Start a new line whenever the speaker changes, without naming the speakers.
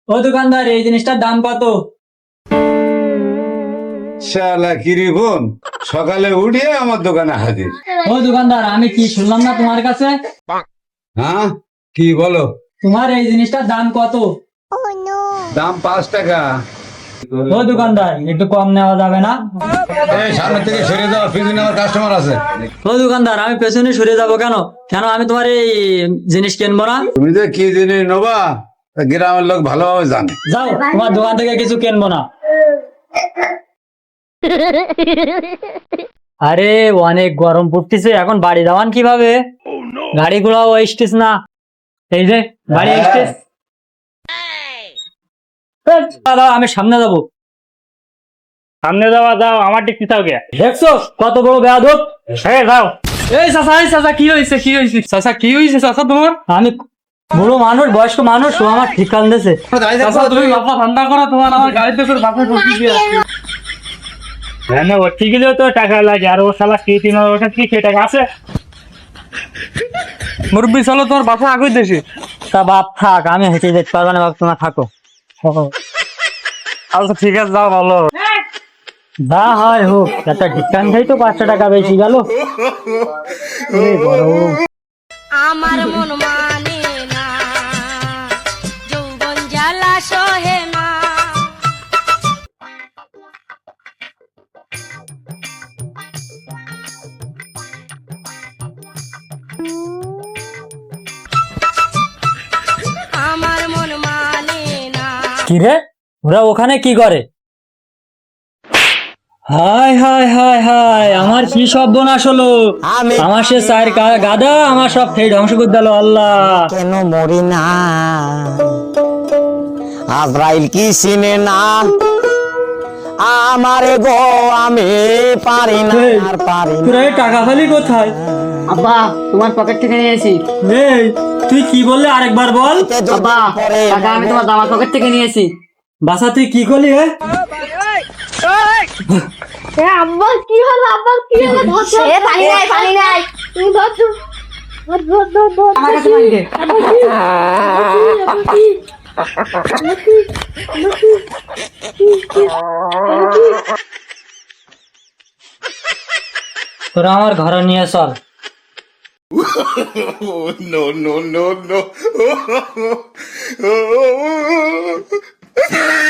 ও দোকানদার, এই জিনিসটার দাম কত?
শালা কিরি বোন, সকালে উঠিয়ে আমার দোকানে হাজির।
ও দোকানদার, আমি কি শুনলাম না তোমার কাছে?
হ্যাঁ, কি বলো?
তোমার এই জিনিসটার দাম কত?
দাম 5 টাকা।
ও দোকানদার, একটু কম নেওয়া যাবে না?
এই সামনে থেকে সরে যাও, পিছনে আমার কাস্টমার আছে।
ও দোকানদার, আমি পেছনে সরে যাবো কেন? কেন আমি তোমার এই জিনিস কিনবো না?
তুমি যে কি জিনিস নেবা তা গ্রামের লোক ভালোভাবে জানে।
যাও, তোমার দোকান থেকে কিছু কিনবো না। আরে অনেক গরম পড়তেছে, এখন বাড়ি যাওয়ান কিভাবে? গাড়িগুলো স্টেজ না, এই যে গাড়ি স্টেজ। দাদা, আমি সামনে যাবো।
সামনে যাওয়া যাও, আমার দিক পিছাও গে।
দেখছো কত বড় বেয়াদব?
হ্যাঁ যাও।
এই চাচা কি হয়েছে চাচা তোমার? আমি বুড়ো মানুষ, বয়স্ক মানুষ, ও আমার ঠিক কান দিয়েছে।
তুমি বাপা ঠান্ডা করো, তোমার আমার গাড়িতে করে বাপে ঢুকি দিয়ে হ্যাঁ না, ও ঠিক গেলেও তো টাকা লাগে, আর ও শালা কি 3,000 কি সে টাকা আছে? মুরব্বী চলো, তোমার বাপা আগে দেশে।
তা বাপ থাক, আমি হেঁটে যেতে পারবো না, বাপ তোমার থাকো।
আচ্ছা ঠিক আছে, যাও ভালো।
যা হয় হোক, একটা ডিসকাউন্ট দেয় তো 500 টাকা বেশি গেল।
আমার মন মানে না, যৌবন জ্বালা সহে না। আমার মন মানে না।
কি রে, ওরা ওখানে কি করে? হায় হায় হায় হায়, আমার কি সর্বনাশ হলো! আমার সে চার গাদা আমার সব খেয়ে ধ্বংস করে দিল। আল্লাহ,
কেন মরি না? আজরাইল কি চিনে না আমারে গো? আমি পারি না, আর পারি না।
তোরা এই টাকা ফালি কোথায়?
আব্বা, তোমার পকেট থেকে নিয়েছি।
এই, তুই কি বললি আরেকবার বল।
আব্বা, টাকা আমি তোমার জামার পকেট থেকে নিয়েছি।
বাসা তুই কি করলি?
আব্বা কি হলো? আব্বা কি হলো? পানি নাই তুমি ধরছো।
আমার কাছে পানি দে।
তোরা আমার ঘরে নিয়ে চল।
No, no, no, no.